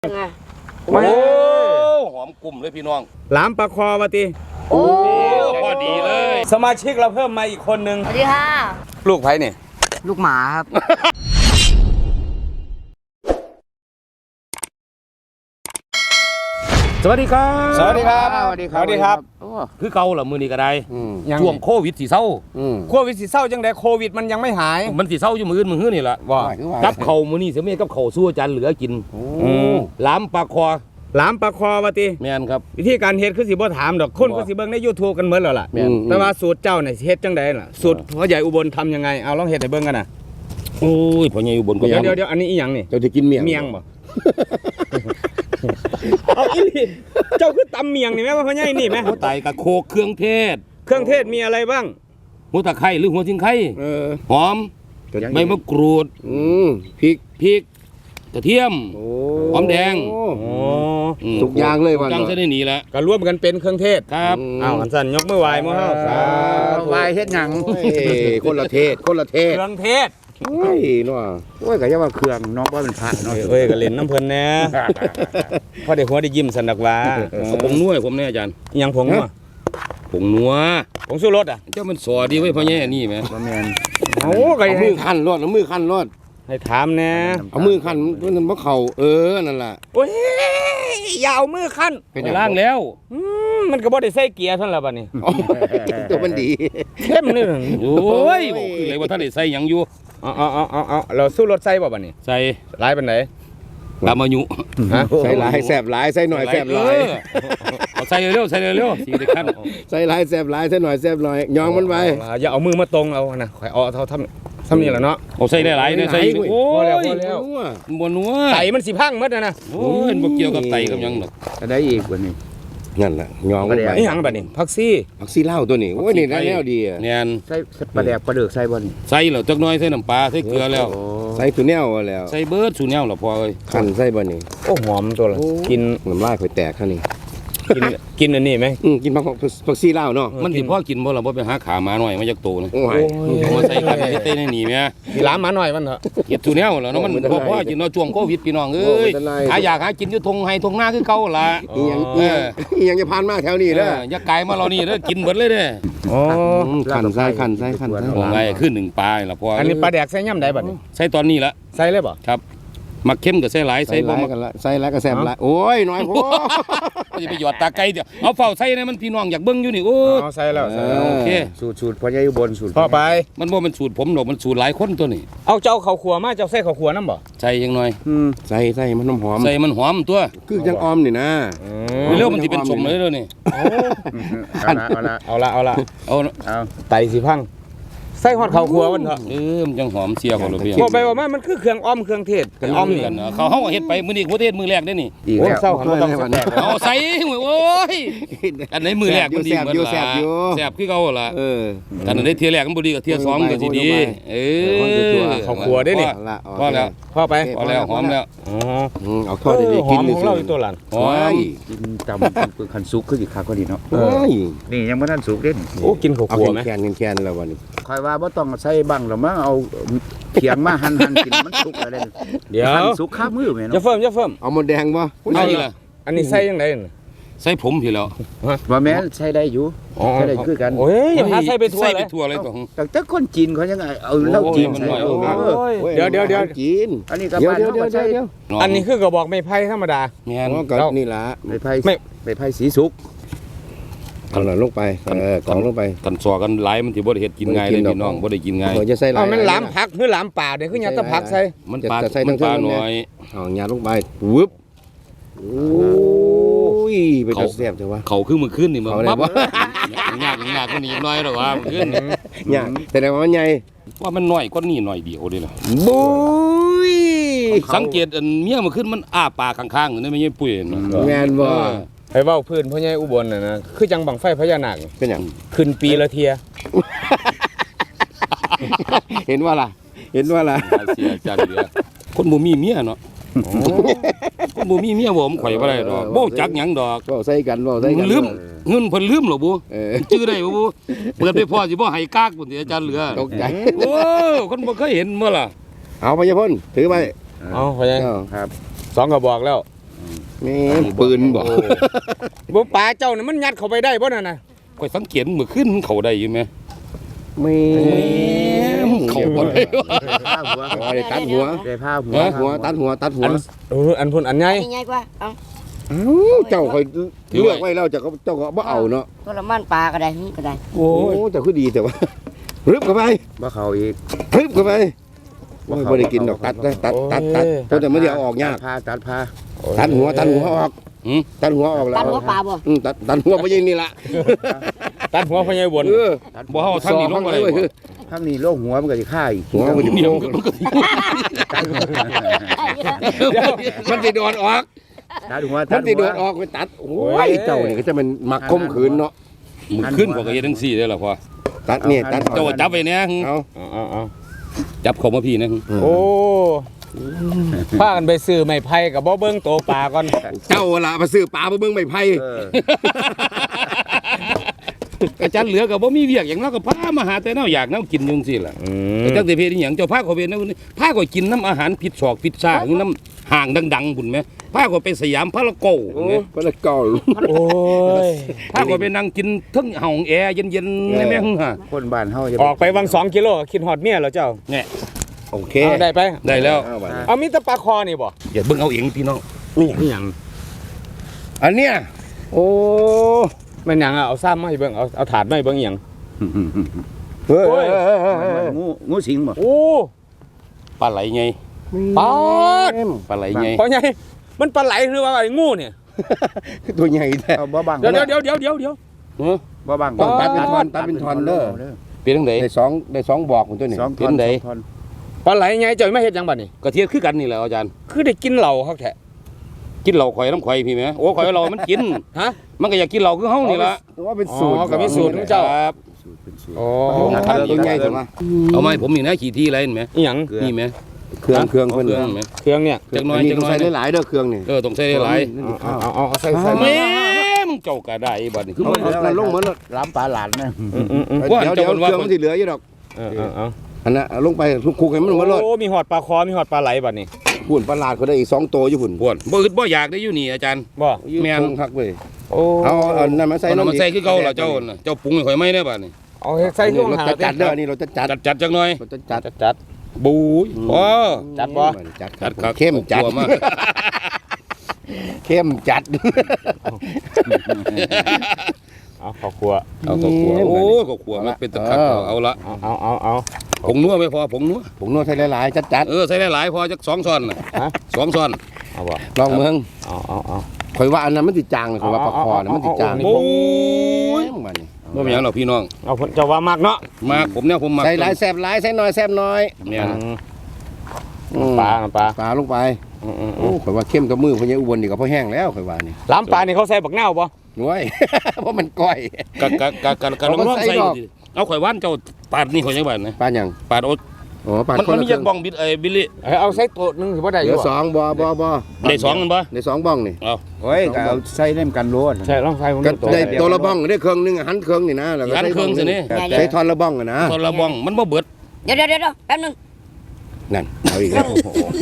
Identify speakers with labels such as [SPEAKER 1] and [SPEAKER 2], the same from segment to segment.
[SPEAKER 1] ไง
[SPEAKER 2] โอ้
[SPEAKER 3] หอมกลุ่มเลยพี่น้อง
[SPEAKER 2] หลามปลาคอวะติ
[SPEAKER 1] โอ้
[SPEAKER 3] พอดีเลย
[SPEAKER 2] สมาชิกเราเพิ่มมาอีกคนนึง
[SPEAKER 1] สวัสดีค่ะ
[SPEAKER 2] ลูกไผ่เนี่ย
[SPEAKER 1] ลูกหมาครับ
[SPEAKER 3] สวัสดีครับ
[SPEAKER 2] สวัสดีครับ
[SPEAKER 1] สวัสดีครับ
[SPEAKER 2] สวัสดีครับ
[SPEAKER 3] คือเก่าเหรอมือนี้ก็ได้
[SPEAKER 2] ยัง
[SPEAKER 3] ช่วงโควิดสีเศร้า
[SPEAKER 2] โควิดสิเศร้าจังไดโควิดมันยังไม่หาย
[SPEAKER 3] มันสีเศร้าอยู่มือมือนี่แหละ
[SPEAKER 2] ว่า
[SPEAKER 3] กับเข่ามือนี่เสียเมียกับเข่าสู้อาจารย์เหลือกินหลามปลาคอ
[SPEAKER 2] หลามปลาคอวะติ
[SPEAKER 3] แมนครับ
[SPEAKER 2] วิธีการเฮ็ดคือสิบ่ถามดอกคนก็สิเบิ่งใน YouTube กันเหมือนแล้วล่ะ
[SPEAKER 3] แม่น
[SPEAKER 2] แต่ว่าสูตรเจ้าเนี่ยสิเฮ็ดจังไดล่ะสูตรพ่อใหญ่อุบลทำยังไงเอาลองเฮ็ดให้เบิ่งกันน่ะ
[SPEAKER 3] โอ้ยพ่อใหญ่อยู่บนก็
[SPEAKER 2] เดี๋
[SPEAKER 3] ยั
[SPEAKER 2] ยวเดี๋ยวอันนี้อีหยังนี่
[SPEAKER 4] เจ้าจะกินเมียง
[SPEAKER 2] เมียงบ่ เอาอีหลีเจ้าคือตำเมียงนี่แม่ว่าพ่อใหญ่นี่แม่
[SPEAKER 3] หัวไตกับโคกเครื่องเทศ
[SPEAKER 2] เครื่องเทศมีอะไรบ้าง
[SPEAKER 3] หัวตะไคร้หรือหัวชิงไข่ หอม ใบมะกรูด
[SPEAKER 4] พริก
[SPEAKER 3] พริกกระเทียม หอมแดง
[SPEAKER 2] โอ้
[SPEAKER 4] ทุกอย่างเลยวัน
[SPEAKER 3] จังจะได้หนีแล้ว
[SPEAKER 2] ก็รวมกันเป็นเครื่องเทศ
[SPEAKER 3] ครับ
[SPEAKER 2] เอาอันสั่นยกมือไหว้หมู่เฮาสาธุ
[SPEAKER 1] วายเฮ็ดหยัง
[SPEAKER 4] คนละเทศคนละเทศ
[SPEAKER 2] เครื่องเทศ
[SPEAKER 4] โอ้ยนัว
[SPEAKER 1] โอ้ยก็อย่าว่าเครื่องน้องว่าเป็นพระเนาะ
[SPEAKER 2] เอ้ยก็เล่นน้ำเพิ่นแหน่พอได้หัวได้ยิ้มสันดักว่า
[SPEAKER 3] เอาผงนัวให้ผมเนี่ยอาจารย์
[SPEAKER 2] อิหยังผงวะ
[SPEAKER 3] ผงนัว
[SPEAKER 2] ผงสู้รสอ่ะ
[SPEAKER 3] เจ้ามันสอดีไว้พ่อใหญ่นี่ไหม
[SPEAKER 1] บ่แม่น
[SPEAKER 2] โอ้ก็
[SPEAKER 4] เอามือขั้นรอดเอามือขั้นรอด
[SPEAKER 2] ให้ถามแหน่
[SPEAKER 4] เอามือขั้นมันบ่เข่านั่นล่ะ
[SPEAKER 2] โอ้ยอย่าเอามือคั่น
[SPEAKER 4] เป็นหยัง
[SPEAKER 3] ล้างแล้ว
[SPEAKER 2] มันก็บ่ได้ใส่เกียร์เท่านั้นล่ะบัดนี้
[SPEAKER 4] ตัวมันดี
[SPEAKER 2] เข้มนี่
[SPEAKER 3] โอ้ยบอกคือเลยว่าท่านได้ใส่หยังอยู่
[SPEAKER 2] เอาเราสู้รสใส่บ่บัดนี้
[SPEAKER 3] ใส่
[SPEAKER 2] หลายปานใด
[SPEAKER 3] ตามอายุ
[SPEAKER 2] ฮะ
[SPEAKER 4] ใส่หลายแสบหลายใส่หน่อยแสบหลาย
[SPEAKER 3] เอาใส่เร็วใส่เร็วสีได้ขั้น
[SPEAKER 4] ใส่หลายแสบหลายใส่หน่อยแสบหน่อยยองมันไว้
[SPEAKER 2] อย่าเอามือมาตรงเอานะข่อยเอาเท่าทำนี่แหละเนาะ
[SPEAKER 3] เอาใส่ได้หลายเนี่ยใส่โอ้
[SPEAKER 2] พอแล้ว
[SPEAKER 3] ย
[SPEAKER 2] พอแล้ว
[SPEAKER 3] บนนัว
[SPEAKER 2] ไตมันสิพังหมดนะ
[SPEAKER 3] โอ้ยบ่เกี่ยวกับไตกับหยังหรอก
[SPEAKER 1] จะได้อีกวันนี้
[SPEAKER 4] นั่นล่ะยองมันไป
[SPEAKER 2] อีหยังบัดนี้ผักซี่
[SPEAKER 4] ผักซีเหล้าตัวนี้โอ้ยนี่ได้แล้วดีอะ
[SPEAKER 3] แน่น
[SPEAKER 1] ใส่ปลาแดกปลาเดือกใส่บ่นี่
[SPEAKER 3] ใส่แล้วจักหน่อยใส่น้ำปลาใส่เกลือแล้ว
[SPEAKER 4] ใส่ตัวแนวแล้ว
[SPEAKER 3] ใส่เบิดสูแนวแล้วพอเอ้ย
[SPEAKER 4] ขั้นใส่บ่นี่
[SPEAKER 2] โอ้หอมตัวละกิน
[SPEAKER 4] น้ำลายข่อยแตกคั่นนี่
[SPEAKER 2] กินอันนี้ไหม
[SPEAKER 4] กินผักซีเหล้าเนาะ
[SPEAKER 3] มันสิพอกินบ่ล่ะบ่ไปหาขาหมาหน่อยมาจากโตนะ
[SPEAKER 4] โอ้ย
[SPEAKER 3] เอามาใส่กันให้เต้นให้หนีแม่
[SPEAKER 2] มีหลามหมาหน่อยมันเถอะ
[SPEAKER 3] เฮ็ดสูแนวแล้วเนาะมันบ่พอกินเนาะช่วงโควิดพี่น้องเอ้ยหาอยากหากินอยู่ทงไห้ทงนาคือเก่าล่ะ
[SPEAKER 4] อีหยังจะผ่านมาแถวนี้เด้อ
[SPEAKER 3] อย่าไกลมาเรานี่เด้อกินเบิดเลยเด้อ
[SPEAKER 2] อ๋อ
[SPEAKER 4] ขันใส่ขันใส่ขันใส่
[SPEAKER 3] โอ้ไงขึ้นหนึ่งปลายล่ะพอ
[SPEAKER 2] อันนี้ปลาแดกใส่ย่ำใดบัดนี้
[SPEAKER 3] ใส่ตอนนี้ละ
[SPEAKER 2] ใส่เลยบ่
[SPEAKER 3] ครับมักเข้มกับใส่หลาย
[SPEAKER 4] ใส่
[SPEAKER 3] ใส่บ่
[SPEAKER 4] หลาย
[SPEAKER 3] มัก
[SPEAKER 4] กันละใส่หลายก็แซ่บหลายโอ้ยน้อยโพ
[SPEAKER 3] ก็จะไปหยอดตาไก่เดี๋ยวเอาเฝ้าใส่นะมันพี่น้องอยากเบิ่งอยู่นี่โอ้
[SPEAKER 2] อ๋อใส่แล้วใส่แล้ว
[SPEAKER 3] โอเค
[SPEAKER 1] สูตรพ่อใหญ่อุบลสูตร
[SPEAKER 2] พอไป
[SPEAKER 3] มันบ่มันสูตรผมหรอกมันสูตรหลายคนตัวนี้
[SPEAKER 2] เอาเจ้าข้าวขัวมาเจ้าใส่ข้าวขัวน้ำบ่
[SPEAKER 3] ใส่ยังหน่อย
[SPEAKER 4] ใส่มันหอม
[SPEAKER 3] ใส่มันหอมตัว
[SPEAKER 4] คือจังออมนี่นะ
[SPEAKER 3] เร็วมันสิเป็นสมเลยเด้อนี่
[SPEAKER 1] เอาละ
[SPEAKER 2] เอาละเอาละ
[SPEAKER 3] เอา
[SPEAKER 1] เอา
[SPEAKER 2] ไตสิพังใส่ฮอดข้าวขัวมันเถอะ
[SPEAKER 3] มันจังหอมเสียของเราเพียง
[SPEAKER 2] บอกไปว่ามันคือเครื่องอ้อมเครื่องเทศเครื่องอ้อมนี่
[SPEAKER 3] กันเขาเฮาก็เฮ็ดไปมื้อนี้ประเทศมื้อแรกได้นี่
[SPEAKER 1] อีก
[SPEAKER 2] โอ้
[SPEAKER 1] แล้ว
[SPEAKER 2] เศร้าหันมาต้องแตก
[SPEAKER 3] เอาใส่โอ้ยอันไหนมื้อแรกมันดีเหมือนล่ะแซ่บคือเก่าล่ะ กันได้เที่ยแรกมันบ่ดีกับเที่ยสองก็สิดี
[SPEAKER 2] ข้าวขัวได้นี่
[SPEAKER 3] พอแล้ว
[SPEAKER 2] พอไป
[SPEAKER 3] พอแล้วหอมแล้ว
[SPEAKER 2] อ๋อ
[SPEAKER 4] เอาทอดได้
[SPEAKER 2] ห
[SPEAKER 4] กิ
[SPEAKER 2] อน มของเราอยู่ตัวหลัง
[SPEAKER 3] หอม
[SPEAKER 1] กินจำคันสุกคืออีกคักก็ดีเนาะ
[SPEAKER 4] โอ้ย
[SPEAKER 1] นี่ยังบ่ทันสุกเด้นี่
[SPEAKER 2] โอ้กินข้าว
[SPEAKER 4] เอา
[SPEAKER 2] ขัวไหม
[SPEAKER 4] แคนแล้ววันนี้
[SPEAKER 1] คอยว่าบ่ต้องใส่บังหรอกมั้งเอาเขียงมาหั่นกินมันสุกแล้วเด้
[SPEAKER 2] เดี๋ยว
[SPEAKER 1] หั่นสุกข้ามือแม่
[SPEAKER 2] อย่า
[SPEAKER 1] เนาะ
[SPEAKER 2] เฟิ่มอย่าเฟิ่ม
[SPEAKER 4] เอาหมดแดงบ่
[SPEAKER 3] เอาอีกล่ะ
[SPEAKER 2] อันนี้ใส่ยังไง
[SPEAKER 3] ใส่ผมพี่แล้ว
[SPEAKER 1] ว่าแม่นใช้ได้อยู่ใช้ได้คือกัน
[SPEAKER 2] โอ้ยอย่าพาใส่ไปทั่ว
[SPEAKER 3] ใส่
[SPEAKER 2] เล
[SPEAKER 3] ไป
[SPEAKER 2] ย
[SPEAKER 3] ทั่วเลยตัว
[SPEAKER 1] แต่คนจีนเขายังไงเอาเหล้าจีนใส่
[SPEAKER 2] เดี๋ยว
[SPEAKER 4] กิน
[SPEAKER 1] อันนี้ก็
[SPEAKER 4] เดี๋ยว
[SPEAKER 1] บ้าน
[SPEAKER 4] เดี๋ยว
[SPEAKER 1] เฮา
[SPEAKER 4] เดี๋ยว
[SPEAKER 1] ก็ใช้
[SPEAKER 4] เดี๋ยว
[SPEAKER 2] อันนี้คือกระบอกไม้ไผ่ธรรมดา
[SPEAKER 3] แม่น
[SPEAKER 4] ก็นี่ล่ะ
[SPEAKER 1] ไปไผ่สีสุก
[SPEAKER 4] เอาหน่อยลงไปกล่องลงไป
[SPEAKER 3] กันสอกันหลายมันสิบ่ได้เฮ็ดกินง่ายเลยพี่น้องบ่ได้กินง่าย
[SPEAKER 4] จะใส่
[SPEAKER 2] เอามันหลามผักหรือหลามป่าเดี๋ยวคือยัดตะผักใส่
[SPEAKER 3] มันปลามันปลาน้อย
[SPEAKER 4] เอาหยาลงไปวึบโอ้ยไปจะแซ่บจังวะ
[SPEAKER 3] เขาคือมื้อคืนนี่มัน
[SPEAKER 4] เขาได้
[SPEAKER 3] ปั๊บ
[SPEAKER 4] บ่
[SPEAKER 3] ยากกว่านี้น้อยหรอกว่ามื้อคืน
[SPEAKER 4] หยาแต่ว่ามันใหญ่
[SPEAKER 3] ว่ามันน้อยกว่านี้หน่อยเดียวเด้ล่ะ
[SPEAKER 4] บุ้ย
[SPEAKER 3] สังเกตอันเมียมื้อคืนมันอ้าปากข้างๆนี่ไม่ใช่ปุ้ยนะ
[SPEAKER 4] แม่นบ่
[SPEAKER 2] ไอ้เว้าพื้นพ่อใหญ่อุบลน่ะนะคือจังบังไฟพญานาค
[SPEAKER 4] เป็นหยัง
[SPEAKER 2] ขึ้นปีละเทีย
[SPEAKER 4] เห็นว่าล่ะ
[SPEAKER 3] เสียจังเดียวคนบ่มีเมียเนาะคนบ่มีเมียบ่ผมข่อยบ่ได้ดอกบ่จักหยังดอก
[SPEAKER 4] ก็ใส่กันบ่ใส่กัน
[SPEAKER 3] ลืมเงินเพิ่นลืมหรอบ่ จื้อได้บ่บ่เปิดไปพอสิบ่ให้กากพุ่นสิอาจารย์เหลือ
[SPEAKER 4] ตกใจ
[SPEAKER 3] โอ้คนบ่เคยเห็นบ่ล่ะ
[SPEAKER 4] เอาไปยพ่นถือไป
[SPEAKER 2] เอาพ่อใหญ่
[SPEAKER 1] ครับ
[SPEAKER 2] 2กระบอกแล้ว
[SPEAKER 4] นี่ปืนบ่
[SPEAKER 2] บ่ปลาเจ้านี่มันยัดเข้าไปได้บ่นั่นน่ะ
[SPEAKER 3] ข่อยสังเกตมื้อคืนมันเข้าได้อยู่แม่
[SPEAKER 4] แม่
[SPEAKER 3] เข้าบ่ได้
[SPEAKER 1] ผ้าหัว
[SPEAKER 4] ได้ตัดหัว
[SPEAKER 1] ได้ผ้าหัว
[SPEAKER 4] ตัดหัว
[SPEAKER 2] อันพุ่นอันใหญ่
[SPEAKER 5] นี่ใหญ่กว่าเอา
[SPEAKER 4] เอ้าเจ้าคอยเลือกไว้แล้วเจ้าก็บ่เอาเนาะ
[SPEAKER 5] ตัวละมันปลาก็ได้ก็ได้
[SPEAKER 4] โอ้เจ้าคือดีแต่ว่ารึบเข้าไป
[SPEAKER 1] บ่เข้าอีก
[SPEAKER 4] รึบเข้าไปบ่ได้กินดอกตัดเพราะแต่ไม่ได้เอาออกยาก
[SPEAKER 1] ตัดผ้า
[SPEAKER 4] ตัดหัวออกตัดหัวออกแล้ว
[SPEAKER 5] ตัดหัวปลาบ่
[SPEAKER 4] ตัดหัวบ่ยิงนี่ล่ะ
[SPEAKER 2] ตัดหัวพญายบน
[SPEAKER 3] บ่เฮาทางนี้ลงบ่ได้บ่
[SPEAKER 1] ข้างนี้โรคหัวมันก็สิฆ่าอีก
[SPEAKER 4] หัวมัน
[SPEAKER 3] เมียมันก็
[SPEAKER 4] มันสิโดนออก
[SPEAKER 1] ตัดหัว
[SPEAKER 4] มันสิโดนออกไปตัดโอ้ยเจ้านี่ก็จะมันมักคมขืนเนาะ
[SPEAKER 3] มื้อคืนข่อยก็เฮ็ดจังซี่เด้อล่ะพ่อ
[SPEAKER 4] ตัดนี่ตัด
[SPEAKER 3] เจ้าก็จับไว้แน่
[SPEAKER 4] เอา
[SPEAKER 2] เอา
[SPEAKER 3] จับเข้ามาพี่นะ
[SPEAKER 2] โอ้พากันไปซื้อไม้ไผ่กับบ่เบิ่งโตปลาก่อน
[SPEAKER 4] เจ้าล่ะมาซื้อปลาบ่เบิ่งไม่ไผ่
[SPEAKER 3] อาจารย์เหลือก็บ่มีเวียกหยังเนาะก็พามาหาแต่แนวอยากแนวกินอยู่จังซี่ล่ะแต่จังสิเพศอีหยังเจ้าพาเขาไปแนวนี้พาก็กินน้ำอาหารผิดศอกผิดซ่าน้ำห่างดังๆพุ่นแม่พาก็ไปสยามพารากอน
[SPEAKER 4] โอ้
[SPEAKER 3] แม่
[SPEAKER 4] ปลาเก่า
[SPEAKER 2] โอ้ย
[SPEAKER 3] พาก็ไปนั่งกินเทั้งห้องแอร์เย็นๆในแม่หึ่งฮะ
[SPEAKER 1] คนบ้านเฮาจะ
[SPEAKER 2] ออกไปวัง2 กิโลคิดฮอดเมียแล้วเจ้า
[SPEAKER 4] โอเค
[SPEAKER 2] เอาได้ไป
[SPEAKER 3] ได้แล้ว
[SPEAKER 2] เอามีแต่ปลาคอนี่บ่
[SPEAKER 3] อย่าเบิ่งเอาเองพี่น้อง
[SPEAKER 2] นี่หยัง
[SPEAKER 4] อันเนี้ยโอ้
[SPEAKER 2] แม่นหยังเอาซ้ำมาให้เบิ่งเอาถาดมาให้เบิ่งอีหยัง
[SPEAKER 4] เฮ้ย
[SPEAKER 1] งูสิงบ่
[SPEAKER 2] โอ้
[SPEAKER 3] ปลาไหลไง
[SPEAKER 2] ปลาด
[SPEAKER 3] ปลาไหลไง
[SPEAKER 2] พ่อใหญ่มันปลาไหลหรือว่าไอ้งูเนี่ย
[SPEAKER 4] ตัวใหญ่แท้
[SPEAKER 1] เอาบ่บัง
[SPEAKER 2] เดี๋ยว
[SPEAKER 1] บ่บัง
[SPEAKER 4] ต้องตัดเป็นท่อนเด้อ
[SPEAKER 3] เป็นจังได๋
[SPEAKER 4] ได้สองบอกของตัวนี้
[SPEAKER 1] สอง
[SPEAKER 3] เป็นได
[SPEAKER 1] ท่อน
[SPEAKER 2] ปลาไหลไงเจ้าไม่เฮ็ดหยังบัดนี้
[SPEAKER 3] ก็เทียบคือกันนี่แหละอาจารย์
[SPEAKER 2] คือได้กินเหล้าคักแท้
[SPEAKER 3] กินเหล้าข่อยน้ำข่อยพี่แม่โอ้ข่อยเรามันกิน
[SPEAKER 2] ฮะ
[SPEAKER 3] มันก็อยากกินเหล้าคือเฮานี่ล่ะ
[SPEAKER 4] ว่าเป็นสูตร
[SPEAKER 2] อ๋อก็มีสูตรของเจ้า
[SPEAKER 3] ครับ
[SPEAKER 2] โอ้
[SPEAKER 4] ตัวใหญ่จังวะ
[SPEAKER 3] เอามาให้ผมนี่นะขี่ที่อะไรเห็นไหม
[SPEAKER 2] อีหยัง
[SPEAKER 3] นี่ไหม
[SPEAKER 4] เครื่อง
[SPEAKER 3] เครื่อง
[SPEAKER 4] เพิ่น
[SPEAKER 3] เห็นไหม
[SPEAKER 2] เครื่องเนี่ย
[SPEAKER 3] จักหน้อย
[SPEAKER 4] นี่
[SPEAKER 3] จัก
[SPEAKER 4] ต้อง
[SPEAKER 3] หน้อย
[SPEAKER 4] ใส่หลายๆเด้อเครื่องนี่
[SPEAKER 3] ต้องใส่หลาย
[SPEAKER 2] เอาใส่
[SPEAKER 3] แม่มึงเจ้าก็ได้บัดนี้คือ
[SPEAKER 4] เอาลงเหมือน
[SPEAKER 1] ล้ำปลาหลานนะ
[SPEAKER 4] เดี๋ยวเครื่องมันสิเหลืออยู่ดอก
[SPEAKER 2] เอา
[SPEAKER 4] อันนั้นลงไปคุกให้มันหมดเลย
[SPEAKER 2] โอ้มีหอดปลาคอมีหอดปลาไหลบัดนี้
[SPEAKER 4] หุ่นประหลาดเขาได้อีก2ตัวอยู่หุ่น
[SPEAKER 3] ปวดบ่อึดบ่อยากได้อยู่นี่อาจารย์
[SPEAKER 2] บ่
[SPEAKER 3] แม่น
[SPEAKER 4] คักเว้ย
[SPEAKER 2] โอ้
[SPEAKER 4] เอานั่นมาใส่
[SPEAKER 3] เอามาใส่คือเก่าล่ะเจ้าน่ะเจ้าปรุงให้ข่อยไหมได้บัดนี้
[SPEAKER 2] เอาใส่เครื่อง
[SPEAKER 4] เรา
[SPEAKER 2] หา
[SPEAKER 4] จะจัดเด้อนี่เราจะจัด
[SPEAKER 3] จัดจักหน่อย
[SPEAKER 4] เราจะจัด
[SPEAKER 2] จัด
[SPEAKER 3] บู๊ยพอ
[SPEAKER 2] จัดบ่
[SPEAKER 4] จัด
[SPEAKER 3] จัดครับ
[SPEAKER 4] เข้มจัด
[SPEAKER 3] กลัวมาก
[SPEAKER 4] เข้มจัด
[SPEAKER 2] เอาข้าวคั่ว
[SPEAKER 3] เอาก็ขัวโอ้ก็ขัวมันเป็นตะคักเอาละ
[SPEAKER 2] เอา
[SPEAKER 3] ผงนัวไม่พอผงนัว
[SPEAKER 4] ผมนวดใส่หลายๆจัด
[SPEAKER 3] ใส่หลายๆพอจัก2ช้อนน่ะ
[SPEAKER 2] ฮะ
[SPEAKER 3] 2ช้อน
[SPEAKER 2] เอาบ่
[SPEAKER 4] ๆลองเมือง
[SPEAKER 2] เอา
[SPEAKER 4] ข่อยว่าอันนั้นมันสิจางเลยข่อยว่าปลาคอน่ะมันสิจาง
[SPEAKER 3] โอ้ย
[SPEAKER 4] มันนี่
[SPEAKER 3] บ่เป็นหยังหรอกพี่น้อง
[SPEAKER 2] เอาเจ้าว่ามากเนาะ
[SPEAKER 3] มากผมเนี่ยผมมัก
[SPEAKER 4] ใส่หลายแซ่บหลายใส่น้อยแซ่บน้อย
[SPEAKER 3] เนี่ย
[SPEAKER 2] ปลา
[SPEAKER 4] ปลาลงไปโอ้ข่อยว่าเข้มกับมือพญาอุบลนี่ก็พอแห้งแล้วข่อยว่านี่
[SPEAKER 2] ล้ำปลานี่เขาใส่บักนาวบ่
[SPEAKER 4] น้อย เพราะมันก้อย
[SPEAKER 3] กะลองใส่ดิเอาข่อยว่านเจ้าปาดนี่ข่อยยังบาดนะ
[SPEAKER 4] ปลาหยัง
[SPEAKER 3] ปาดโอ๊ต
[SPEAKER 4] อ๋อปลา
[SPEAKER 3] มันมีจักบ้องบิลลี่
[SPEAKER 2] เอาใส่ตัวนึงถือว่าได้อ
[SPEAKER 4] เดี๋ย
[SPEAKER 2] ยู่
[SPEAKER 4] วสองบ่
[SPEAKER 3] ได้2มันบ่
[SPEAKER 4] ได้2บ้องนี่
[SPEAKER 3] เอา
[SPEAKER 1] โอ้ยก็เอาใส่เล่มกันโลด
[SPEAKER 2] ใช่ลองใส่ผม
[SPEAKER 4] ก็ได้ตัวละบ้องได้เครื่องนึงหันเครื่องนี่นะแล้วก็
[SPEAKER 3] หันเครื่องสินี่
[SPEAKER 4] ใช้ท่อนละบ้องอะนะ
[SPEAKER 3] ตอนละบ้องมันบ่เบิด
[SPEAKER 5] เดี๋ยวแป๊บนึง
[SPEAKER 4] นั่นเอาอีกแล้ว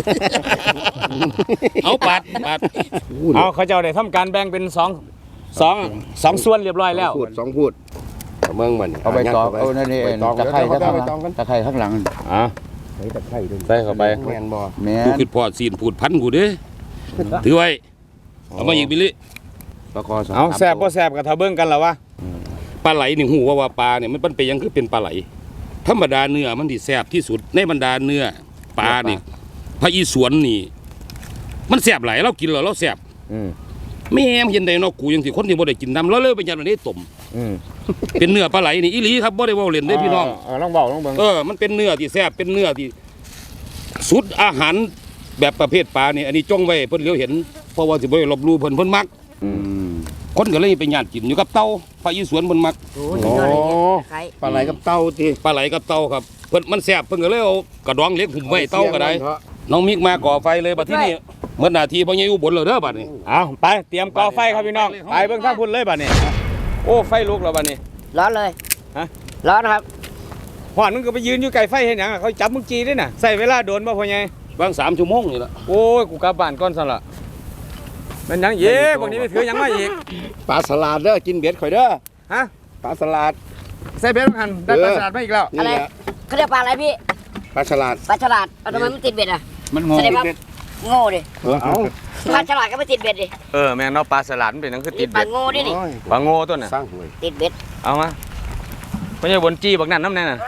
[SPEAKER 3] เอาปาด
[SPEAKER 2] เอาเขาเจ้าได้ทำการแบ่งเป็นสองส่วนเรียบร้อยแล้ว
[SPEAKER 4] สองพูดเอาเมืองมัน
[SPEAKER 1] เอาไปตอกเอานั่นนี่
[SPEAKER 4] ตอก
[SPEAKER 1] ตะไคร้
[SPEAKER 4] เอาไปตอกกัน
[SPEAKER 1] ตะไคร้ข้างหลัง
[SPEAKER 2] อ่ะ
[SPEAKER 4] ใส่ตะไคร้ด้วย
[SPEAKER 2] ใส่เข้าไป
[SPEAKER 4] แม่นบ่
[SPEAKER 1] แม่
[SPEAKER 3] กู
[SPEAKER 1] น
[SPEAKER 3] คิดพอซีนพูดพันกูเด้ถือไว้เอามาอีกบิลลี่
[SPEAKER 4] ปลาคอสอง
[SPEAKER 2] เอาแซ่บบ่แซ่บก็ถ้าเบิ่งกันแล้ววะ
[SPEAKER 3] ปลาไหลนี่หูว่าปลาเนี่ยมันเป็นยังคือเป็นปลาไหลธรรมดาเนื้อมันที่แซ่บที่สุดในบรรดาเนื้อปลานี่พระอีสวนนี่มันแซ่บหลายเรากินแล้วเราแซ่บ แม่มเย็นใดเนาะกูยังสิคนที่บ่ได้กินน้ำแล้วเลยไปยันวันนี้ต้มเป็นเนื้อปลาไหลนี่อีหลีครับบ่ได้เว้าเล่นเด้พี่น้อง
[SPEAKER 2] ลองเบาลองเบิ่ง
[SPEAKER 3] มันเป็นเนื้อที่แซ่บเป็นเนื้อที่สุดอาหารแบบประเภทปลานี่อันนี้จ้องไว้เพิ่นเหลียวเห็นเพราะว่าสิบ่ได้ลบหลู่เพิ่นมัก คนก็เลยไปญาติกินอยู่กับเต่าพระอีสวนเพิ่นมัก
[SPEAKER 5] โอ้ยสุดยอดเลยเนี่ยไข่
[SPEAKER 4] ปลาไหลกับเต้าติ
[SPEAKER 3] ปลาไหลกับเต่าครับเพิ่นมันแซ่บเพิ่นก็เลยเอากระดองเล็กหุ่มไว้เต่าก็ได้น้องมิกมาก่อไฟเลยบัดที่นี่เมื่อนาทีพ่อใหญ่อุบลแล้วเด้อบัดนี้
[SPEAKER 2] เอาไปเตรียมก่อไฟครับพี่น้องไปเบิ่งทางพุ่นเลยบัดนี้โอ้ไฟลุกแล้วบัดนี้
[SPEAKER 5] ร้อนเลย
[SPEAKER 2] ฮะ
[SPEAKER 5] ร้อนครับ
[SPEAKER 2] หอนมึงก็ไปยืนอยู่ไกลไฟเห็นหยังเขาจับมึงจีด้วยน่ะใส่เวลาโดนบ่พ่อใหญ่
[SPEAKER 3] บาง3 ชั่วโมงนี่ล่ะ
[SPEAKER 2] โอ้ยกูกลับบ้านก่อนซั่นล่ะมันยังอีกพวกนี้ไม่ถือยังไม่อีก
[SPEAKER 4] ปลาสลัดเด้อกินเบ็ดข่อยเด้อ
[SPEAKER 2] ฮะ
[SPEAKER 4] ปลาสลัด
[SPEAKER 2] ใส่เบ็ดหันได้ปลาสลัดมาอีกแล้ว
[SPEAKER 4] นี่
[SPEAKER 5] อะไร
[SPEAKER 4] แหละ
[SPEAKER 5] เขาเรียกปลาอะไรพี่
[SPEAKER 4] ปลาฉลาด
[SPEAKER 5] ปลาฉลาดเอาทำไมมันติดเบ็ดอ่ะ
[SPEAKER 1] มันงอ
[SPEAKER 5] แสดงว่าโง่ดิ
[SPEAKER 4] เอา
[SPEAKER 5] ปลาฉลาดก็ไม่ติดเบ็ดดิ
[SPEAKER 2] แม่นเนาะปลาสลัดมันเป็นหนังคือติ
[SPEAKER 5] นี่
[SPEAKER 2] ด
[SPEAKER 5] ปลา
[SPEAKER 2] เบ็ด
[SPEAKER 5] โง่ดินี่
[SPEAKER 4] โอ้ย
[SPEAKER 2] ปลาโง่ตัวน่ะ
[SPEAKER 4] สร้างหวย
[SPEAKER 5] ติดเบ็ด
[SPEAKER 2] เอามาไม่ใช่บนจี้บักนั่นน้ำแน่น่ะ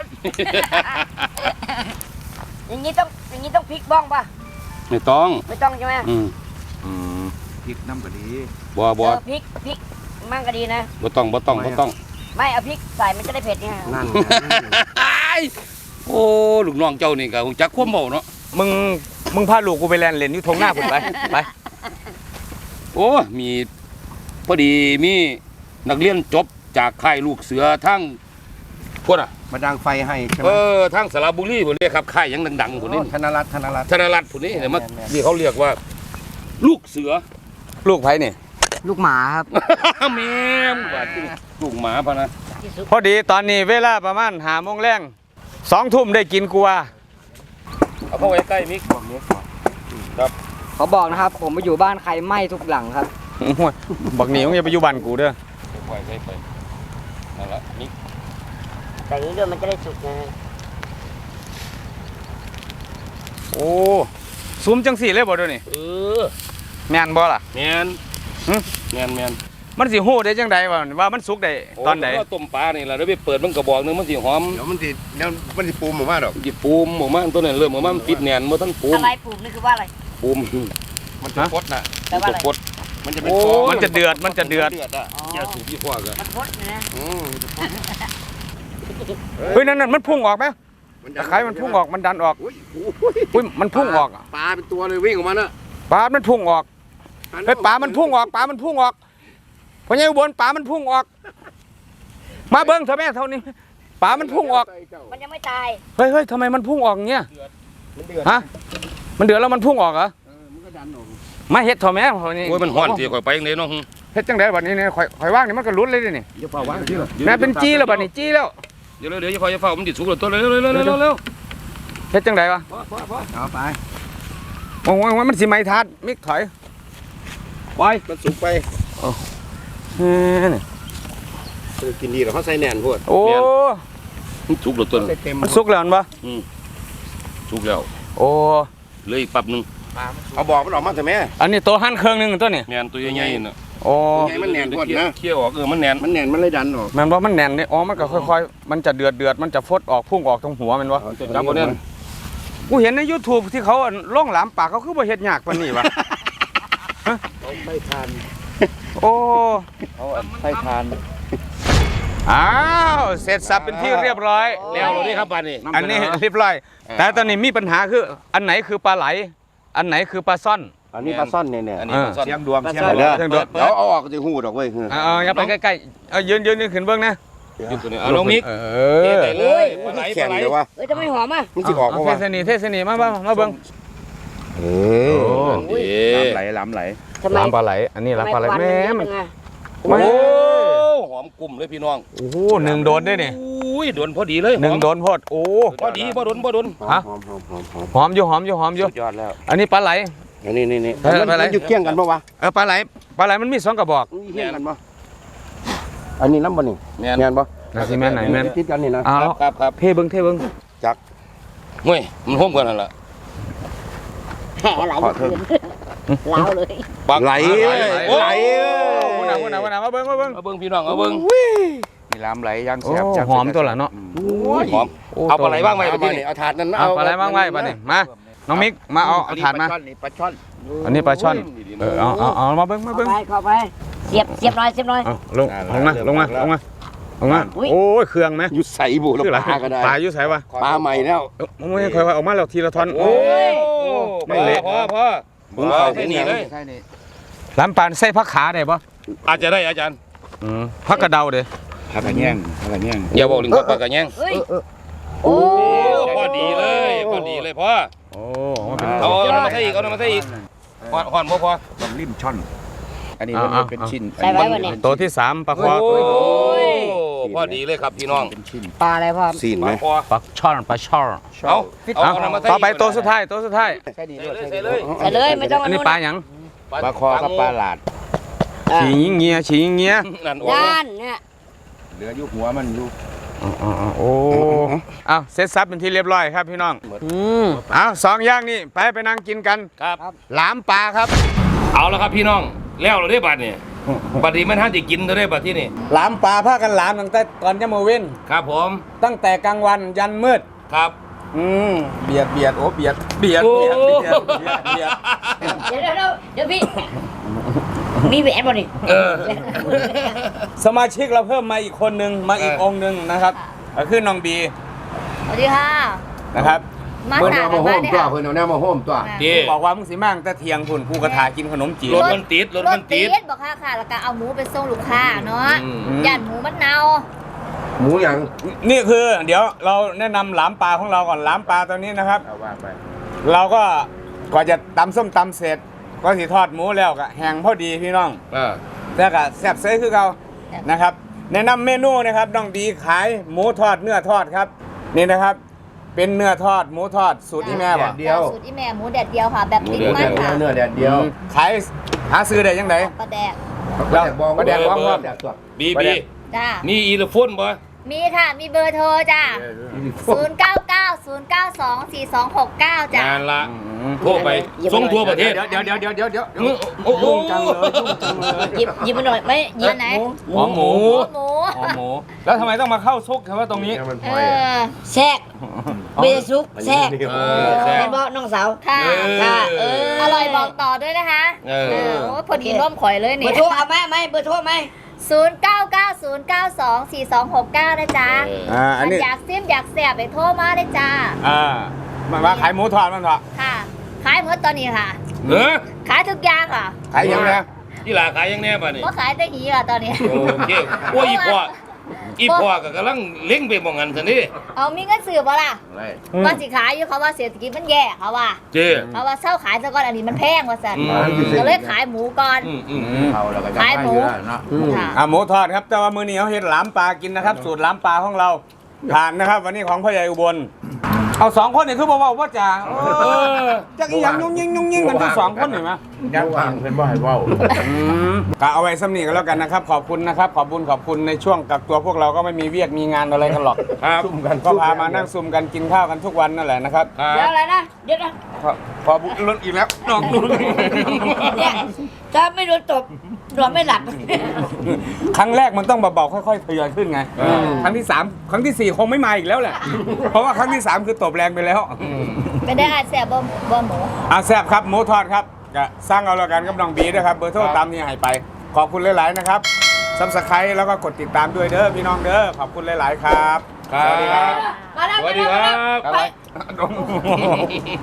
[SPEAKER 5] อย่างนี้ต้องพลิกบ้องป่ะ
[SPEAKER 3] ไม่ต้อง
[SPEAKER 5] ไม่ต้องใช่ไหม
[SPEAKER 1] พริกน้ำกะดี
[SPEAKER 3] บ่
[SPEAKER 5] เออพริกมั่งก็ดีนะ
[SPEAKER 3] บ่ต้อง
[SPEAKER 5] ไม่เอาพริกใส่มันจะได้เผ็ดไง
[SPEAKER 4] นั่น
[SPEAKER 3] โอ้ลูกน้องเจ้านี่ก็คงจักความเว้าเนาะ
[SPEAKER 2] มึงพาลูกกูไปแลนเล่นอยู่ทงหน้าผมไป
[SPEAKER 3] โอ้มีพอดีมีนักเรียนจบจากค่ายลูกเสือทั้งพวกน่ะ
[SPEAKER 4] มาดังไฟให้ใช่ไหม
[SPEAKER 3] ทั้งสระบุรีพุ่นนี่ครับค่ายหยังดังๆพุ่นนี่
[SPEAKER 4] ธนรัตน์
[SPEAKER 3] ธนรัตน์พุ่นนี่เนี่ยมัน
[SPEAKER 4] แม่น
[SPEAKER 3] นี่เขาเรียกว่า ลูกเสือ
[SPEAKER 2] ลูกไผ่นี่
[SPEAKER 5] ลูกหมาครับ
[SPEAKER 3] แม่มว่าที่ลูกหมาพะนะ
[SPEAKER 2] พอดีตอนนี้เวลาประมาณ5 โมงแรง2 ทุ่มได้กินกูว่า
[SPEAKER 3] เอาเข้าไว้ใกล้มิก
[SPEAKER 6] เขาบอกนะครับ ผมไปอยู่บ้านใครไหม้ทุกหลังครับ
[SPEAKER 2] บักหนีมึงอย่าไปอยู่บ้านกูเด้อ
[SPEAKER 3] ไว้ใส่ไปนั่นละมิก
[SPEAKER 5] แต่อย่างนี้ด้วยมันจะได้สุกไง
[SPEAKER 2] โอ้ซุ้มจังสี่เลยบ่เดี๋ยวนี้
[SPEAKER 3] อ
[SPEAKER 2] แม่นบ่ล่ะ
[SPEAKER 3] แม่น
[SPEAKER 2] หึ
[SPEAKER 3] แม่น
[SPEAKER 2] มันสิฮู้ได้จังใดว่ามันสุกได้ตอนใด
[SPEAKER 3] โต้มปลานี่ล่ะเดี๋ยวไปเปิดมันกระบอกหนึงมันสิหอม
[SPEAKER 4] เดี๋ยวมันสิปูมออกมาดอก
[SPEAKER 3] สิปูมออกมาตัวนั้นเริ่มออกมามันปิดแน่นบ่ทันปูม
[SPEAKER 5] อะไรปลูกนี่คือว่าอะไร
[SPEAKER 3] ปูม
[SPEAKER 4] มันจะพดน่ะ
[SPEAKER 5] แปลว่าอะไร
[SPEAKER 3] กด
[SPEAKER 4] มันจะเป็น
[SPEAKER 3] โอ้
[SPEAKER 4] ฟอง
[SPEAKER 2] มันจะเดือดมันจะเดือด
[SPEAKER 4] อ่ะ
[SPEAKER 5] อ๋อ
[SPEAKER 3] อย่าสูบยี่ห้อกัน
[SPEAKER 5] มันพดนะ
[SPEAKER 2] เฮ้ยนั่นมันพุ่งออกไหมตะไคร้มันพุ่งออกมันดันออก อุ้ยมันพุ่งออกอะ
[SPEAKER 4] ปลาเป็นตัวเลยวิ่งออกมาน่ะ
[SPEAKER 2] ปลามันพุ่งออกเฮ้ยปลามันพุ่งออกปลามันพุ่งออกพอใหญ่อุบลปลามันพุ่งออก มาเบิ้งเถอะแม่เท่านี้ปลามันพุ่งออก
[SPEAKER 5] มันยังไม่ตาย
[SPEAKER 2] เฮ้ยทำไมมันพุ่งออกเงี้ย
[SPEAKER 4] มันเดือด
[SPEAKER 2] ฮะมันเดือดแล้วมันพุ่งออกเหรอ
[SPEAKER 4] มันก็ดันออก
[SPEAKER 2] มาเฮ็ดเถอะแม่เท่านี้
[SPEAKER 3] โอ้ยมันฮ้อนสิข่อยไปจังได๋เนาะ
[SPEAKER 2] เฮ็ดจังไดบัดนี้เนี่ยข่อยว่างนี่มันก็ลุ้นเลยนี่
[SPEAKER 4] อย่าเป่าวางที่หรอ
[SPEAKER 2] แม่เป็นจี้แล้วบัดนี้จี้แล้ว
[SPEAKER 3] เดี๋ยวอย่าเฝ้ามันสิสุกแล้วตัวเร็ว
[SPEAKER 2] เฮ็ดจังไดวะ
[SPEAKER 4] เอาไป
[SPEAKER 2] โอ้ยมันสิไหม้ทัดมิกถอย
[SPEAKER 4] ไปมันสุกไป
[SPEAKER 2] นี่
[SPEAKER 4] กินดีหรอเขาใส่แหน่นพวด
[SPEAKER 2] โอ้
[SPEAKER 3] มันสุกแล้วตัว
[SPEAKER 4] ใส่เต็ม
[SPEAKER 2] มันสุกแล้วมันบ่
[SPEAKER 3] สุกแล้ว
[SPEAKER 2] โอ้
[SPEAKER 3] เหลืออีกปับนึง
[SPEAKER 4] เอาบอกมันออกมาเถอะแม่
[SPEAKER 2] อันนี้ตัวหั่นเครื่องหนึงตัวนี่
[SPEAKER 3] แม่นตัวใหญ่ๆน่ะ
[SPEAKER 2] โอ้
[SPEAKER 4] ไงมันแหน่นพวดนะ
[SPEAKER 3] เคี่ยวออกมันแน่น
[SPEAKER 4] มันแหน่นมันเลยดันออก
[SPEAKER 2] แม่นบ่มันแน่นนี่อ๋อมันก็ค่อยๆมันจะเดือดมันจะฟดออกพุ่งออกตรงหัวแม่นบ่
[SPEAKER 3] จับบ่แน่น
[SPEAKER 2] กูเห็นใน YouTube ที่เขาล่องหลามปากเขาคือบ่เฮ็ดยากปานนี้วะ
[SPEAKER 4] ไม่ทาน
[SPEAKER 2] โอ้
[SPEAKER 4] เอาใส่ทาน
[SPEAKER 2] อ้าวเสร็จสับเป็นที่เรียบร้อย
[SPEAKER 3] แล้วเรานี่ครับปานนี้
[SPEAKER 2] อันนี้เรียบร้อย แต่ตอนนี้มีปัญหาคืออันไหนคือปลาไหล อันไหนคือปลาซ่อน
[SPEAKER 4] อันนี้ปลาซ่อนเนี่ย
[SPEAKER 3] อันนี้มันซ่อน
[SPEAKER 1] เสียงดวงเสียง
[SPEAKER 4] เด้อ
[SPEAKER 2] เสียงดวง
[SPEAKER 4] เดี๋ยวเอาออกจะหูดอกเว้ย
[SPEAKER 2] เอาอย่าไปใกล้ๆเอายืนขึ้นเบื้องนะ
[SPEAKER 3] อยู่ตัวนี้เอาลงมิก
[SPEAKER 2] เอ
[SPEAKER 3] เท
[SPEAKER 2] อ
[SPEAKER 3] ใส่เลยปลาไหล
[SPEAKER 4] แข็งเลยวะ
[SPEAKER 5] เอ้ยจะไม่หอมอ่ะ
[SPEAKER 4] มันสิออก
[SPEAKER 2] เอา
[SPEAKER 4] เพราะ
[SPEAKER 2] เท
[SPEAKER 4] ว่า
[SPEAKER 2] ศนีมาเบื้อง
[SPEAKER 4] เอ
[SPEAKER 1] ล้ำไหล
[SPEAKER 5] ทำไม
[SPEAKER 2] ลามปลาไหล อันนี้ลามปลาไหล
[SPEAKER 5] ทำ
[SPEAKER 2] แม่
[SPEAKER 5] ควั
[SPEAKER 2] มัน
[SPEAKER 5] เยอะจังอะ
[SPEAKER 2] โอ้
[SPEAKER 3] หอมกลุ่มเลยพี่น้อง
[SPEAKER 2] โหหนึ่งโดนด้วยนี่
[SPEAKER 3] อุ้ยโดนพอดีเลย
[SPEAKER 2] หนึ่งโดนโพดโอ้
[SPEAKER 3] พอดีบ่โดน
[SPEAKER 2] ฮะ
[SPEAKER 4] หอม
[SPEAKER 2] หอมอยู่
[SPEAKER 3] สุดยอดแล้ว
[SPEAKER 2] อันนี้ปลาไหล
[SPEAKER 4] อันนี้
[SPEAKER 2] เออไปไหน
[SPEAKER 4] มันอยู่เคี่ยงกันปะวะ
[SPEAKER 2] ปลาไหลมันมี2กระบอก
[SPEAKER 4] เคี่ยงกันปะอันนี้น้ำบ่นี่
[SPEAKER 3] แม่น
[SPEAKER 4] แม่นปะ
[SPEAKER 2] นาสิแม่นไหนแม่น
[SPEAKER 4] ติดกันนี่นะ
[SPEAKER 2] เอาแล้ว
[SPEAKER 3] ครับ
[SPEAKER 2] เทเบิ้ง
[SPEAKER 3] เฮ้ยมันห่มกันนั่นล่ะ
[SPEAKER 5] แห่ไหลเกินเล้าเลย
[SPEAKER 3] ปัก
[SPEAKER 4] ไหล
[SPEAKER 3] โอ้
[SPEAKER 4] ไหล
[SPEAKER 2] วันไหนมาเบิ้ง
[SPEAKER 3] เอาเบิ่งพี่น้องเอาเบิ่ง
[SPEAKER 1] มีล้ำไหลยัง
[SPEAKER 2] โอ้
[SPEAKER 1] แซ่บจัง
[SPEAKER 2] หอมตัวละเนาะ
[SPEAKER 3] หอมเอาปลาไหลบ้างไหม
[SPEAKER 4] เอา
[SPEAKER 3] พี่
[SPEAKER 4] มานี่เอาถาดนั้น
[SPEAKER 2] เอาปลาไหลบ้างไว้ปลานี่มาน้องมิกมาเอาถาดมา
[SPEAKER 1] ปลาช่อน
[SPEAKER 2] อันนี้ปลาช่อนเอามาเบิ้ง
[SPEAKER 5] เข้าไปเสียบหน่อย
[SPEAKER 2] เอาลงมาโอ้ยเครื่องไหม
[SPEAKER 4] อยู่ใส่บุแล้ว
[SPEAKER 2] คืออะไร
[SPEAKER 4] ปลาก็ได้
[SPEAKER 2] ปลาอยู่ใส่วะ
[SPEAKER 4] ปลาใหม่แล้ว
[SPEAKER 2] ไม่ค่อยว่าออกมาแล้วทีละท่อนโอ้
[SPEAKER 3] ไม่เละพอ
[SPEAKER 4] มึงเข้า
[SPEAKER 3] แค่นี้เลย
[SPEAKER 1] ใช่นี่
[SPEAKER 2] ลำปานใส่ผักขาได้ปะ
[SPEAKER 3] อาจจะได้อาจารย์
[SPEAKER 2] ผักกระเดาเด้
[SPEAKER 1] ผักกระแย่ง
[SPEAKER 3] อย่าบอกถึงปลากระแยง
[SPEAKER 5] เฮ้ยโอ้
[SPEAKER 3] พอดีเลยพ่อ
[SPEAKER 2] โอ้
[SPEAKER 3] เอาน้ำมาใส่อีกหอนบ่พอ
[SPEAKER 1] ต้องริมช่อน อันนี้มันเป็นชิ้น
[SPEAKER 5] ใส่ไว้วันนี้
[SPEAKER 2] ตัวที่3ปลาคอ
[SPEAKER 3] พอดีเลยครับพี่น้อง
[SPEAKER 1] เป็นชิ้น
[SPEAKER 5] ปลาอะไรพ่อ
[SPEAKER 4] ซีนไหม
[SPEAKER 3] พอ
[SPEAKER 2] ปลาช่อน
[SPEAKER 3] เอาน้ำมาใส่
[SPEAKER 2] ต่อไปตัวสุดท้าย
[SPEAKER 1] ใช่นี่
[SPEAKER 3] ใส่เลย
[SPEAKER 5] ใส่เลยไม่ต้อง
[SPEAKER 2] อันนี้ปลาหยัง
[SPEAKER 1] ปลาคอกับปลาหลาด
[SPEAKER 2] ฉีงเงี้ยฉีงเงี้ย
[SPEAKER 3] นั่นโอ้
[SPEAKER 5] ด้านเนี่ย
[SPEAKER 1] เหลืออยู่หัวมันอยู่
[SPEAKER 2] โอ้เอาเสร็จสับเป็นที่เรียบร้อยครับพี่น้องเอาสองอย่างนี่ไปนั่งกินกัน
[SPEAKER 3] ครับ
[SPEAKER 2] หลามปลาครับ
[SPEAKER 3] เอาละครับพี่น้องแล้วเราได้บัดนี่บัดนี้มันท่านจะกินเราได้บัดที่นี่
[SPEAKER 2] หลามปลาพากันหลามตั้งแต่ตอนจะมาเว้น
[SPEAKER 3] ครับผม
[SPEAKER 2] ตั้งแต่กลางวันยันมืด
[SPEAKER 3] ครับ
[SPEAKER 2] เบียดโอ้เบียด
[SPEAKER 3] โอ้
[SPEAKER 2] เบียด
[SPEAKER 5] เดี๋ยวพี่มีแหวนบ่ดิ
[SPEAKER 3] เออ
[SPEAKER 2] สมาชิกเราเพิ่มมาอีกคนนึงมาอีกองค์หนึ่งนะครับก็คือน้องบี
[SPEAKER 5] สวัสดีค่ะ
[SPEAKER 2] นะครับ
[SPEAKER 5] มา
[SPEAKER 1] เพิ่น
[SPEAKER 5] หา
[SPEAKER 1] เอา
[SPEAKER 5] กั
[SPEAKER 1] มาน โฮ
[SPEAKER 5] บ้าม นเนี่ย
[SPEAKER 1] ตัวเพิ่นเอาแนวมาโฮมตัว
[SPEAKER 3] ดี
[SPEAKER 2] บอกว่ามึงสิมั่งแต่เที่ยงพุ่นกูกระถากินขนมจีน
[SPEAKER 3] รถมันติดรถมันติด
[SPEAKER 5] บอกค่ะแล้วก็เอาหมูไปส่งลูกค้าเนาะ
[SPEAKER 3] อืม
[SPEAKER 5] ย่านหมูมันเน่า
[SPEAKER 1] หมูหยัง
[SPEAKER 2] นี่คือเดี๋ยวเราแนะนำหลามปลาของเราก่อนหลามปลาตัวนี้นะครับ
[SPEAKER 1] เอาว่าไป
[SPEAKER 2] เราก็ก่อนจะตำส้มตำเสร็จก็สิทอดหมูแล้วก็แห้งพอดีพี่น้อง แต่ก็แซ่บเซ่คือเรานะครับแนะนำเมนูนะครับน้องดีขายหมูทอดเนื้อทอดครับนี่นะครับ เป็นเนื้อทอดหมูทอดสูตรที่แม่บ่
[SPEAKER 1] เดียว
[SPEAKER 5] สูตรอีแม่หมูแดดเดียวค่ะ แบบติด
[SPEAKER 1] เนื้อ
[SPEAKER 5] มั
[SPEAKER 1] แด
[SPEAKER 5] น
[SPEAKER 1] ดเดีย
[SPEAKER 5] ค่ะ
[SPEAKER 1] วเนื้อแดดเดียว
[SPEAKER 2] ขายหาซื้อได้ยังไง
[SPEAKER 5] ปลาแดก
[SPEAKER 2] แล้วประแดกบ้อง
[SPEAKER 3] เบอร์
[SPEAKER 2] ว่า
[SPEAKER 1] แดดตัว
[SPEAKER 3] บี
[SPEAKER 2] ประเดี๋
[SPEAKER 3] บี
[SPEAKER 2] ยว
[SPEAKER 5] จ้า
[SPEAKER 3] มีอีโลโฟนบ่
[SPEAKER 5] มีค่ะ มีเบอร์โทรจ้า0990924269จ้ะ
[SPEAKER 3] งานละโทรไปส่งทั่วประเทศ
[SPEAKER 2] เดี๋ยว
[SPEAKER 3] โอ้โห
[SPEAKER 2] ยุ่งจังเลยยุ่งจังเลย
[SPEAKER 5] หยิบมาหน่อยไม่หยิบไหน
[SPEAKER 2] หอมหมู
[SPEAKER 5] หมู
[SPEAKER 2] หอมหมูแล้วทำไมต้องมาเข้าซุกเฉพาะตรงนี้
[SPEAKER 1] มันพ
[SPEAKER 5] เอ
[SPEAKER 1] อย
[SPEAKER 5] อ
[SPEAKER 7] แทรกเบซุกแทรก
[SPEAKER 3] เออแซ่บ
[SPEAKER 7] เป็นบ่น้องสาว
[SPEAKER 5] ค่ะ
[SPEAKER 7] ค่ะ
[SPEAKER 5] อร่อยบอกต่อด้วยนะคะ
[SPEAKER 3] เออ
[SPEAKER 5] โอ้ยพอดีร่มข่อยเลย
[SPEAKER 7] เบอ
[SPEAKER 5] นี่
[SPEAKER 7] ร์โทรเอาไหมเบอร์โทรไหม
[SPEAKER 5] 0990924269นะจ๊ะ
[SPEAKER 2] อันนี้
[SPEAKER 5] อยากซิมอยากแสบไปโทรมาเลยจ้า
[SPEAKER 2] มาขายหมูทอดมันเถอะ
[SPEAKER 5] ค่ะ ขายหมดตอนนี้ค่ะ
[SPEAKER 3] เออ
[SPEAKER 5] ขายทุกอย่างค่ะ
[SPEAKER 2] ขายยังไง
[SPEAKER 3] ที่หลาขายยังแน่ป่ะนี่
[SPEAKER 5] ก็ขายแต่หีค่ะตอนนี้
[SPEAKER 3] โอเคโอ้ยอีพ่อก็กำลังเล็งไปมองกันสันนี่
[SPEAKER 5] เอามีเงินซื้อบ่ล่ะ
[SPEAKER 1] อะไร
[SPEAKER 5] ว่าสิขายอยู่เขาว่าเศรษฐกิจมันแย่เขาว่า
[SPEAKER 3] เจ้
[SPEAKER 5] เขาว่าเช่าขายซะก่อนอันนี้มันแพงว่าสัน
[SPEAKER 3] อืม
[SPEAKER 5] ก็เลยขายหมูก่อน
[SPEAKER 1] เอาแล้วก็จะ
[SPEAKER 5] ขายหมู
[SPEAKER 1] เนาะ
[SPEAKER 5] ค่ะ
[SPEAKER 2] หมูทอดครับแต่ว่ามื้อนี้เขาเฮ็ดหลามปลากินนะครับ สูตรหลามปลาของเราทานนะครับ วันนี้ของพ่อใหญ่อุบลเอาสองคนนี่คือบอกว่าจะจักอีหยังยุ่งยิงกันทั้งสองคนเห็นไหม
[SPEAKER 1] ยังวางเพิ่นบ่ให้เว้า
[SPEAKER 2] ก็เอาไว้ซ้ำนี่กันแล้วกันนะครับ ขอบคุณนะครับ ขอบคุณในช่วงกักตัวพวกเราก็ไม่มีเวียกมีงานอะไรกันหรอก
[SPEAKER 3] ครับ
[SPEAKER 1] ซุ่มกัน
[SPEAKER 2] ก็พามานั่งซุ่มกันกินข้าวกันทุกวันนั่นแหละนะครับ
[SPEAKER 7] เดี๋ยวอะไรนะ เดี๋ยวนะ
[SPEAKER 2] พอบุญล้นอีกแล้วน้องนุ่น
[SPEAKER 7] เนี่ยถ้าไม่โดนตบนอนไม่หลับ
[SPEAKER 2] ครั้งแรกมันต้องเบาๆค่อยๆทยอยขึ้นไงครั้งที่สามครั้งที่สี่คงไม่มาอีกแล้วแหละเพราะว่าครั้งที่สามคือตบแรงไปแล้ว
[SPEAKER 5] ไม่ได้อาแสบบ่หมู
[SPEAKER 2] แซ่บครับหมูทอดครับก็สร้างเอาละกันกับน้องบีนะครับเบอร์โทรตามนี้ให้ไป ขอบคุณหลายๆนะครับซับสไครต์แล้วก็กดติดตามด้วยเด้อพี่น้องเด้อขอบคุณหลายๆครับ
[SPEAKER 3] ครับ
[SPEAKER 2] สวัสดีครับ
[SPEAKER 7] มาแล้ว
[SPEAKER 3] สวัสดีครับ
[SPEAKER 7] ไป
[SPEAKER 2] ไป